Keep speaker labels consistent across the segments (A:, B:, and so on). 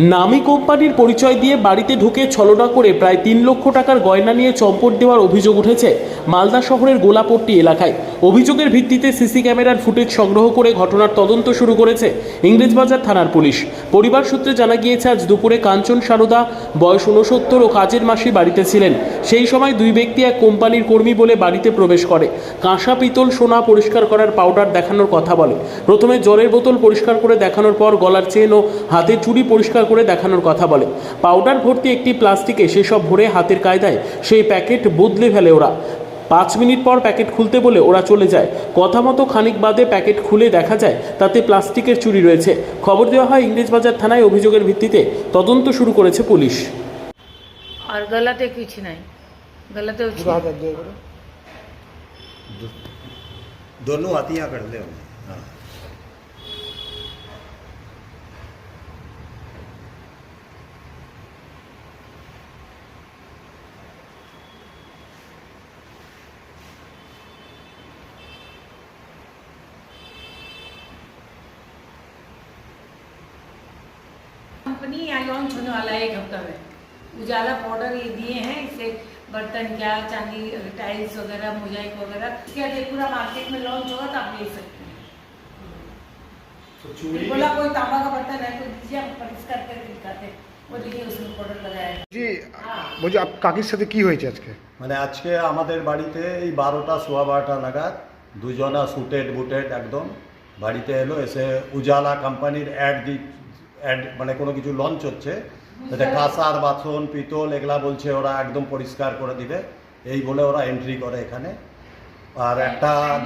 A: নামী কোম্পানির পরিচয় দিয়ে বাড়িতে ঢুকে ছলনা করে প্রায় ৩ লক্ষ টাকার গয়না নিয়ে চম্পট দেওয়ার অভিযোগ উঠেছে মালদা শহরের গোলাপট্টি এলাকায়। অভিযোগের ভিত্তিতে সিসি ক্যামেরার ফুটেজ সংগ্রহ করে ঘটনার তদন্ত শুরু করেছে ইংরেজবাজার থানার পুলিশ। পরিবার সূত্রে জানা গিয়েছে, আজ দুপুরে কাঞ্চন সারদা বয়স 69 ও কাজের মাসি বাড়িতে ছিলেন। সেই সময় দুই ব্যক্তি এক কোম্পানির কর্মী বলে বাড়িতে প্রবেশ করে। কাঁসা, পিতল, সোনা পরিষ্কার করার পাউডার দেখানোর কথা বলে। প্রথমে জলের বোতল পরিষ্কার করে দেখানোর পর গলার চেন ও হাতের চুড়ি পরিষ্কার করে দেখানোর কথা বলে। পাউডার ভর্তি একটি প্লাস্টিকে সেসব ভরে হাতের কায়দায় সেই প্যাকেট বদলে ফেলে ওরা। 5 মিনিট পর প্যাকেট খুলতে বলে ওরা চলে যায়। কথা মতো খানিক বাদে প্যাকেট খুলে দেখা যায় তাতে প্লাস্টিকের চুড়ি রয়েছে। খবর দেওয়া হয় ইংরেজবাজার থানায়। অভিযোগের ভিত্তিতে তদন্ত শুরু করেছে পুলিশ।
B: और गलत कुछ नहीं, गलत
C: दोनों हाथियाँ कर ले। हाँ,
B: कंपनी यहाँ लॉन्च होने वाला है 1 हफ्ता में। उजाला पाउडर ये दिए हैं, इससे बर्तन क्या चांदी, टाइल्स वगैरह, मोजाइक वगैरह क्या ये पूरा मार्केट में लॉन्च होगा तो आप ले सकते हैं। बोला कोई तांबा का बर्तन है तो दीजिए, आप परिष्कार करके दिखाते हैं। वो देखिए उसमें पाउडर लगाया है।
D: জি বলছি কাকির সাথে কি হয়েছে আজকে?
C: মানে আজকে আমাদের বাড়িতে এই 12টা সোয়া 12টা নাগাদ দুজনা সুটেড বুটেড একদম বাড়িতে এলো। এসে উজালা কোম্পানির অ্যাড মানে কোনো কিছু লঞ্চ হচ্ছে, যাতে কাঁসার বাসন পিতল এগুলা বলছে ওরা একদম পরিষ্কার করে দিবে, এই বলে ওরা এন্ট্রি করে এখানে। আর একটা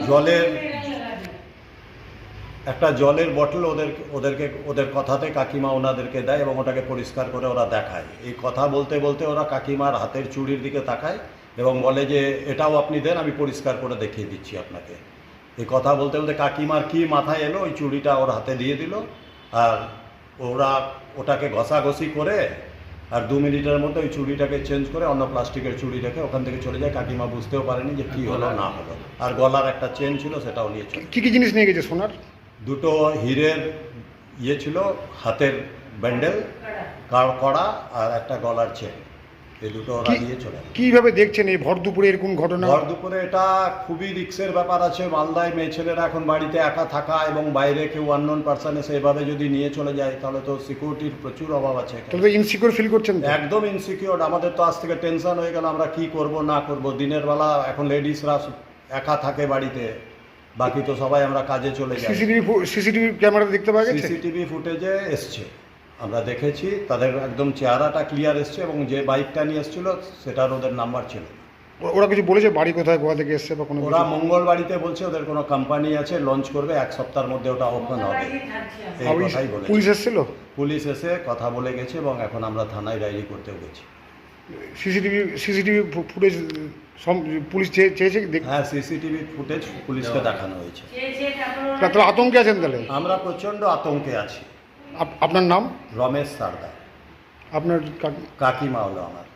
C: জলের বটল ওদের কথাতে কাকিমা ওনাদেরকে দেয় এবং ওটাকে পরিষ্কার করে ওরা দেখায়। এই কথা বলতে বলতে ওরা কাকিমার হাতের চুড়ির দিকে তাকায় এবং বলে যে এটাও আপনি দেন, আমি পরিষ্কার করে দেখিয়ে দিচ্ছি আপনাকে। এই কথা বলতে বলতে কাকিমার কি মাথায় এলো, ওই চুড়িটা ওর হাতে দিয়ে দিল। আর ওরা ওটাকে ঘষাঘষি করে আর 2 মিনিটের মধ্যে ওই চুড়িটাকে চেঞ্জ করে অন্য প্লাস্টিকের চুড়ি রেখে ওখান থেকে চলে যায়। কাকিমা বুঝতেও পারেনি যে কী হলো না হলো। আর গলার একটা চেন ছিল, সেটাও নিয়ে চলে।
D: কি কি জিনিস নিয়ে গেছে? সোনার
C: 2টো হীরের ছিল, হাতের ব্যান্ডেল, কড়া আর একটা গলার চেন, এই দুটো ওরা নিয়ে চলে যায়।
D: কিভাবে দেখছেন এই ভর দুপুরে এরকম ঘটনা?
C: ভর দুপুরে এটা খুবই রিস্কের ব্যাপার আছে। মালদায় মেয়ে ছেলেরা এখন বাড়িতে একা থাকা এবং বাইরে কেউ আননোন পারসন এসে এভাবে যদি নিয়ে চলে যায় তাহলে তো সিকিউরিটির প্রচুর অভাব আছে।
D: তাহলে তো ইনসিকিউর ফিল করছেন তো?
C: একদম ইনসিকিউর। আমাদের তো আজ থেকে টেনশন হয়ে গেল, আমরা কি করব না করব। দিনের বেলা এখন লেডিসরা একা থাকে বাড়িতে, বাকি তো সবাই আমরা কাজে চলে যাই।
D: সিসিটিভি ক্যামেরা দেখতে পাওয়া গেছে?
C: সিসিটিভি ফুটেজে এসছে, আমরা দেখেছি। তাদের একদম চেহারাটা ক্লিয়ার এসছে এবং যে বাইকটা নিয়ে এসেছিল সেটার ওদের নাম্বার ছিল।
D: ওরা কিছু বলেছে বাড়ি কোথায়, কোথা থেকে এসছে বা কোনো?
C: ওরা মঙ্গলবাড়িতে বলছে ওদের কোনো কোম্পানি আছে, লঞ্চ করবে 1 সপ্তাহের মধ্যে ওটা ওপেন হবে, এই কথাই বলেছে।
D: পুলিশ এসেছিল?
C: পুলিশ এসে কথা বলে গেছে এবং এখন আমরা থানায় ডায়েরি করতেও গেছি।
D: সিসিটিভি ফুটেজ পুলিশ চেয়েছে?
C: হ্যাঁ, সিসিটিভি ফুটেজ পুলিশকে দেখানো হয়েছে।
D: তাহলে আতঙ্কে আছেন? তাহলে
C: আমরা প্রচণ্ড আতঙ্কে আছি।
D: আপনার নাম?
C: রমেশ সারদা।
D: আপনার
C: কাকিমা হলো আমার।